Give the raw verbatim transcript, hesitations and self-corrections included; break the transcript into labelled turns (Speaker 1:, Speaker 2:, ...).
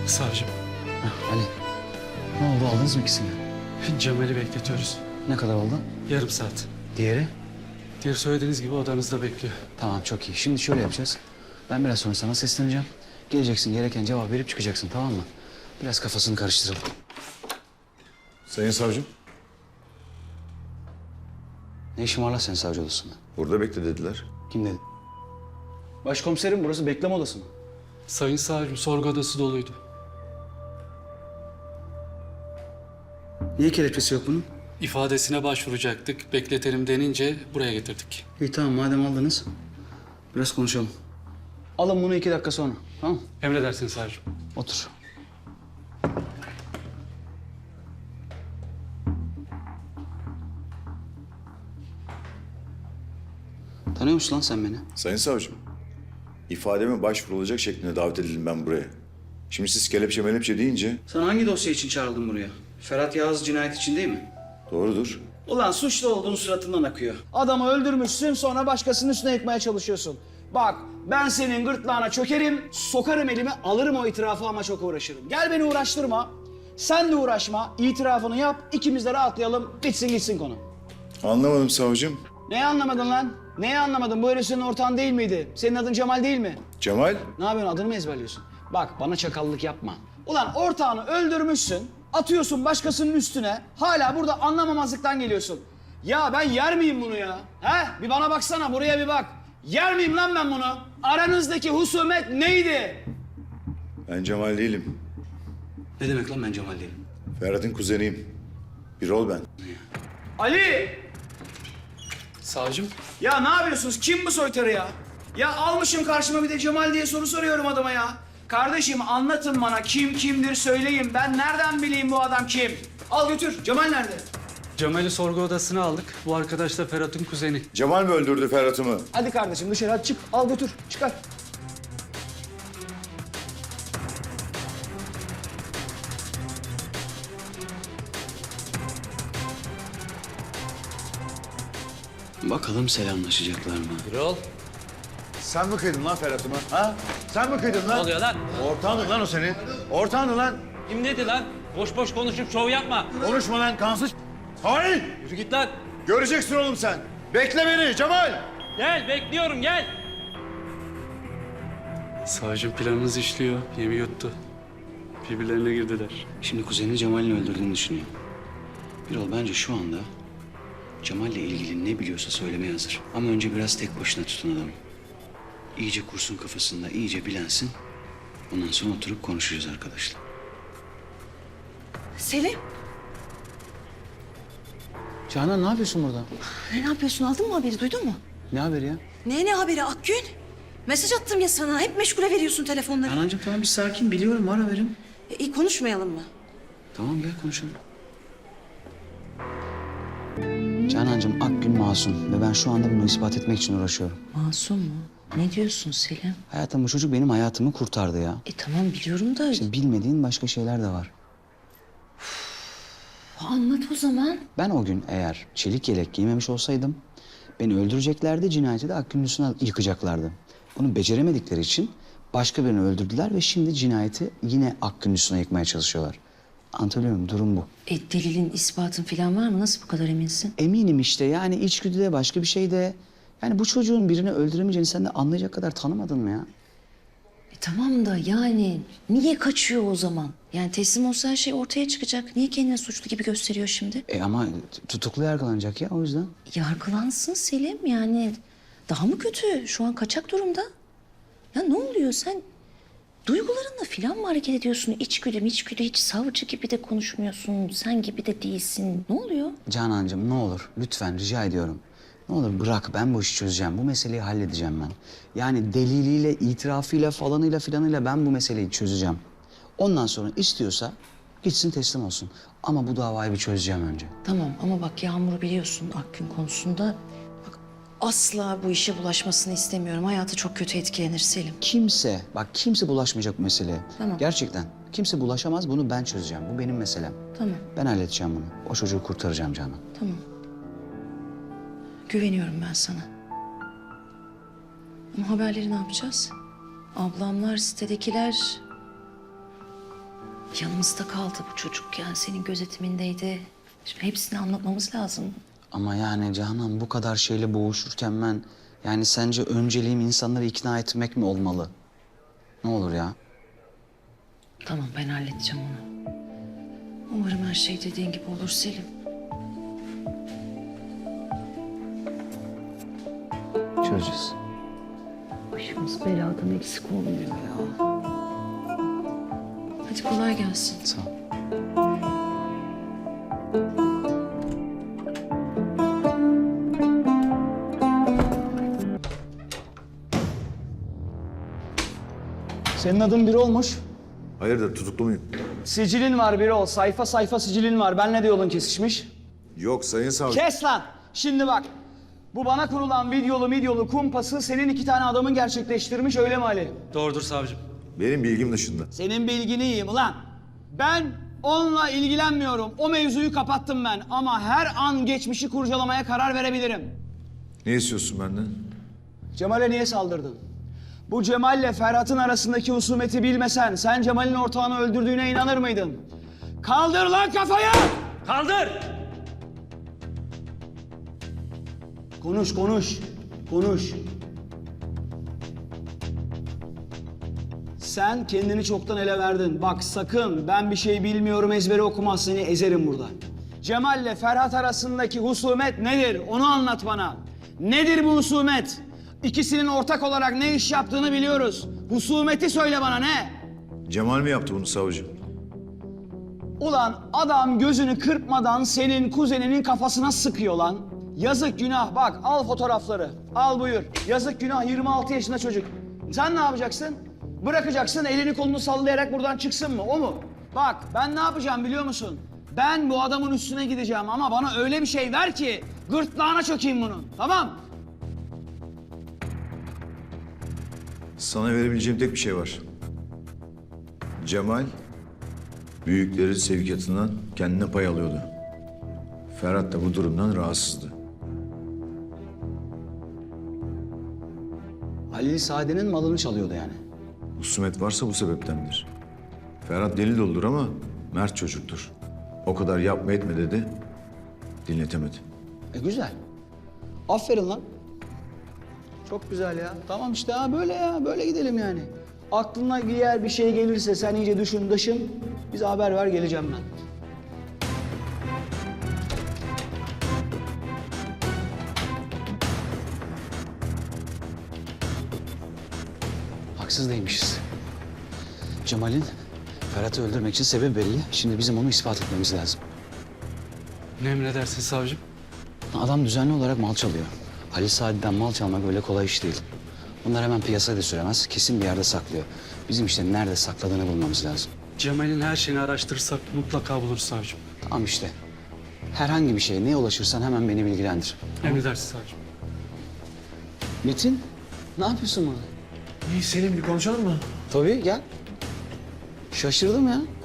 Speaker 1: Savcım,
Speaker 2: Heh, Ali. Ne oldu, aldınız mı ikisini?
Speaker 1: Cemal'i bekletiyoruz.
Speaker 2: Ne kadar oldu?
Speaker 1: Yarım saat.
Speaker 2: Diğeri?
Speaker 1: Diğer söylediğiniz gibi odanızda bekliyor.
Speaker 2: Tamam, çok iyi. Şimdi şöyle yapacağız. Ben biraz sonra sana sesleneceğim. Geleceksin, gereken cevap verip çıkacaksın, tamam mı? Biraz kafasını karıştıralım.
Speaker 3: Sayın savcım,
Speaker 2: Ne işin var lan senin savcı odasında?
Speaker 3: burada bekle dediler.
Speaker 2: Kim dedi? Başkomiserim, burası bekleme odası mı?
Speaker 1: Sayın savcım, sorgu odası doluydu.
Speaker 2: Niye kelepçesi yok bunun?
Speaker 1: İfadesine başvuracaktık. Bekletelim denince buraya getirdik.
Speaker 2: İyi tamam, madem aldınız. Biraz konuşalım. Alın bunu iki dakika sonra, tamam mı?
Speaker 1: Emredersiniz savcım.
Speaker 2: Otur. Tanıyor musun lan sen beni?
Speaker 3: Sayın savcım, ifademe başvurulacak şeklinde davet edildim ben buraya. Şimdi siz kelepçe melepçe deyince
Speaker 2: Sen hangi dosya için çağrıldın buraya? Ferhat Yağız cinayet için değil mi?
Speaker 3: doğrudur.
Speaker 2: Ulan suçlu olduğun suratından akıyor. Adamı öldürmüşsün, sonra başkasının üstüne yıkmaya çalışıyorsun. Bak, ben senin gırtlağına çökerim, sokarım elimi, alırım o itirafı ama çok uğraşırım. Gel beni uğraştırma. Sen de uğraşma, itirafını yap, ikimiz de rahatlayalım, bitsin gitsin konu.
Speaker 3: Anlamadım savcım.
Speaker 2: Neyi anlamadın lan? Neyi anlamadın? Bu herif senin ortağın değil miydi? Senin adın Cemal değil mi?
Speaker 3: Cemal,
Speaker 2: Ne yapıyorsun? Adını mı ezberliyorsun? Bak, bana çakallık yapma. Ulan ortağını öldürmüşsün, atıyorsun başkasının üstüne, hala burada anlamamazlıktan geliyorsun. Ya ben yer miyim bunu ya? He? Bir bana baksana, buraya bir bak. Yer miyim lan ben bunu? Aranızdaki husumet neydi?
Speaker 3: ben Cemal değilim.
Speaker 2: Ne demek lan ben Cemal değilim?
Speaker 3: Ferhat'ın kuzeniyim. Bir ol ben.
Speaker 2: Ali!
Speaker 1: Savcım,
Speaker 2: Ya ne yapıyorsunuz? Kim bu soytarı ya? Ya almışım karşıma bir de Cemal diye soru soruyorum adama ya. Kardeşim anlatın bana kim kimdir söyleyin. Ben nereden bileyim bu adam kim? Al götür. Cemal nerede?
Speaker 1: Cemal'i sorgu odasına aldık. Bu arkadaş da Ferhat'ın kuzeni.
Speaker 3: Cemal mi öldürdü Ferhat'ımı?
Speaker 2: Hadi kardeşim dışarı hadi çık. Al götür. Çıkar. Bakalım selamlaşacaklar mı?
Speaker 4: Yol.
Speaker 3: Sen mi kıydın lan Ferhat'ımı? Ha? Sen mi kıydın lan?
Speaker 4: Ne oluyor lan?
Speaker 3: Ortağındı lan o senin. Ortağındı lan.
Speaker 4: Kim dedi lan? Boş boş konuşup şov yapma.
Speaker 3: Konuşma lan kansız. Hayır.
Speaker 4: Yürü git lan.
Speaker 3: Göreceksin oğlum sen. Bekle beni Cemal.
Speaker 4: Gel bekliyorum gel.
Speaker 1: Savcım planınız işliyor. Yemi yuttu. Birbirlerine girdiler.
Speaker 2: Şimdi kuzenini Cemal'in öldürdüğünü düşünüyor. Birol bence şu anda Cemal'le ilgili ne biliyorsa söylemeye hazır. Ama önce biraz tek başına tutun adamı. İyice kursun kafasında, iyice bilensin. Ondan sonra oturup konuşacağız arkadaşlar.
Speaker 5: Selim,
Speaker 2: Canan ne yapıyorsun burada?
Speaker 5: ne yapıyorsun? Aldın mı haberi? Duydun mu?
Speaker 2: Ne haberi ya?
Speaker 5: Ne ne haberi Akgün? Mesaj attım ya sana. Hep meşgule veriyorsun telefonları.
Speaker 2: Canancığım tamam bir sakin, biliyorum ara verin.
Speaker 5: E, iyi konuşmayalım mı?
Speaker 2: Tamam gel konuşalım. Canancığım Akgün masum ve ben şu anda bunu ispat etmek için uğraşıyorum.
Speaker 5: Masum mu? Ne diyorsun Selim?
Speaker 2: Hayatım bu çocuk benim hayatımı kurtardı ya.
Speaker 5: E tamam biliyorum da
Speaker 2: İşte bilmediğin başka şeyler de var.
Speaker 5: anlat o zaman.
Speaker 2: Ben o gün eğer çelik yelek giymemiş olsaydım beni öldüreceklerdi, cinayeti de Akgün'ün üstüne yıkacaklardı. Bunu beceremedikleri için başka birini öldürdüler ve şimdi cinayeti yine Akgün'ün üstüne yıkmaya çalışıyorlar. Anlatabiliyor muyum? Durum bu.
Speaker 5: E delilin, ispatın falan var mı? Nasıl bu kadar eminsin?
Speaker 2: Eminim işte yani içgüdü de başka bir şey de. Yani bu çocuğun birini öldüremeyeceğini sen de anlayacak kadar tanımadın mı ya?
Speaker 5: E tamam da yani niye kaçıyor o zaman? Yani teslim olsa her şey ortaya çıkacak. Niye kendini suçlu gibi gösteriyor şimdi?
Speaker 2: E ama tutuklu yargılanacak ya o yüzden.
Speaker 5: Yargılansın Selim yani. Daha mı kötü? Şu an kaçak durumda. Ya ne oluyor sen? Duygularınla falan mı hareket ediyorsun? İçgüdü mü içgüdü hiç savcı gibi de konuşmuyorsun. Sen gibi de değilsin. Ne oluyor?
Speaker 2: Canancığım ne olur lütfen rica ediyorum. Ne olur bırak ben bu işi çözeceğim. Bu meseleyi halledeceğim ben. Yani deliliyle, itirafıyla falanıyla filanıyla ben bu meseleyi çözeceğim. Ondan sonra istiyorsa gitsin teslim olsun. Ama bu davayı bir çözeceğim önce.
Speaker 5: Tamam ama bak Yağmur'u biliyorsun Akgün konusunda. Bak asla bu işe bulaşmasını istemiyorum. Hayatı çok kötü etkilenir Selim.
Speaker 2: Kimse, bak kimse bulaşmayacak bu meseleye.
Speaker 5: Tamam.
Speaker 2: Gerçekten. Kimse bulaşamaz, bunu ben çözeceğim. Bu benim meselem.
Speaker 5: Tamam,
Speaker 2: Ben halledeceğim bunu. O çocuğu kurtaracağım Canan.
Speaker 5: tamam. Güveniyorum ben sana. Ama haberleri ne yapacağız? Ablamlar, sitedekiler... Yanımızda kaldı bu çocuk yani senin gözetimindeydi. Şimdi hepsini anlatmamız lazım.
Speaker 6: Ama yani Canan bu kadar şeyle boğuşurken ben... Yani sence önceliğim insanları ikna etmek mi olmalı? Ne olur ya?
Speaker 5: Tamam ben halledeceğim onu. Umarım her şey dediğin gibi olur Selim.
Speaker 6: Çözeceğiz.
Speaker 5: Başımız beladan eksik olmuyor ya. Hadi kolay gelsin.
Speaker 6: Sağ ol.
Speaker 2: Senin adın biri olmuş.
Speaker 3: Hayırdır tutuklu muyum?
Speaker 2: Sicilin var biri ol. Sayfa sayfa sicilin var. Benle de yolun kesişmiş.
Speaker 3: Yok sayın savcı.
Speaker 2: Kes lan! Şimdi bak. Bu bana kurulan videolu midyolu kumpası senin iki tane adamın gerçekleştirmiş öyle mi Ali?
Speaker 1: Doğrudur savcım.
Speaker 3: Benim bilgim dışında.
Speaker 2: Senin bilgini yiyeyim ulan. Ben onunla ilgilenmiyorum. O mevzuyu kapattım ben. Ama her an geçmişi kurcalamaya karar verebilirim.
Speaker 3: Ne istiyorsun benden?
Speaker 2: Cemal'e niye saldırdın? Bu Cemal'le Ferhat'ın arasındaki husumeti bilmesen sen Cemal'in ortağını öldürdüğüne inanır mıydın? Kaldır lan kafayı!
Speaker 4: Kaldır!
Speaker 2: Konuş, konuş, konuş. Sen kendini çoktan ele verdin. Bak sakın ben bir şey bilmiyorum ezbere okumaz seni ezerim burada. Cemal'le Ferhat arasındaki husumet nedir? Onu anlat bana. Nedir bu husumet? İkisinin ortak olarak ne iş yaptığını biliyoruz. Husumeti söyle bana ne?
Speaker 3: Cemal mi yaptı bunu savcı?
Speaker 2: Ulan adam gözünü kırpmadan senin kuzeninin kafasına sıkıyor lan. Yazık günah bak al fotoğrafları. Al buyur. Yazık günah yirmi altı yaşında çocuk. Sen ne yapacaksın? Bırakacaksın elini kolunu sallayarak buradan çıksın mı? O mu? Bak ben ne yapacağım biliyor musun? Ben bu adamın üstüne gideceğim ama bana öyle bir şey ver ki gırtlağına çökeyim bunun. Tamam?
Speaker 3: Sana verebileceğim tek bir şey var. Cemal, büyüklerin sevkiyatından kendine pay alıyordu. Ferhat da bu durumdan rahatsızdı.
Speaker 2: Halil Saadet'in malını çalıyordu yani.
Speaker 3: Husumet varsa bu sebeptendir. Ferhat deli doludur ama mert çocuktur. O kadar yapma etme dedi, dinletemedi.
Speaker 2: E güzel. Aferin lan. Çok güzel ya. Tamam işte ha böyle ya böyle gidelim yani. Aklına diğer bir şey gelirse sen iyice düşün dışın. Bize haber ver geleceğim ben.
Speaker 6: Haksız değilmişiz. Cemal'in Ferhat'ı öldürmek için sebebi belli. Şimdi bizim onu ispat etmemiz lazım.
Speaker 1: Ne emredersin savcım?
Speaker 6: Adam düzenli olarak mal çalıyor. Halil Saadet'ten mal çalmak öyle kolay iş değil. Bunlar hemen piyasaya da süremez. Kesin bir yerde saklıyor. Bizim işte nerede sakladığını bulmamız lazım.
Speaker 1: Cemal'in her şeyini araştırırsak mutlaka buluruz savcım.
Speaker 6: Tamam işte. Herhangi bir şeye neye ulaşırsan hemen beni bilgilendir.
Speaker 1: Emredersin savcım.
Speaker 6: Metin, ne yapıyorsun burada?
Speaker 7: İyi Selim bir konuşalım mı?
Speaker 6: Tabii gel. Şaşırdım ya.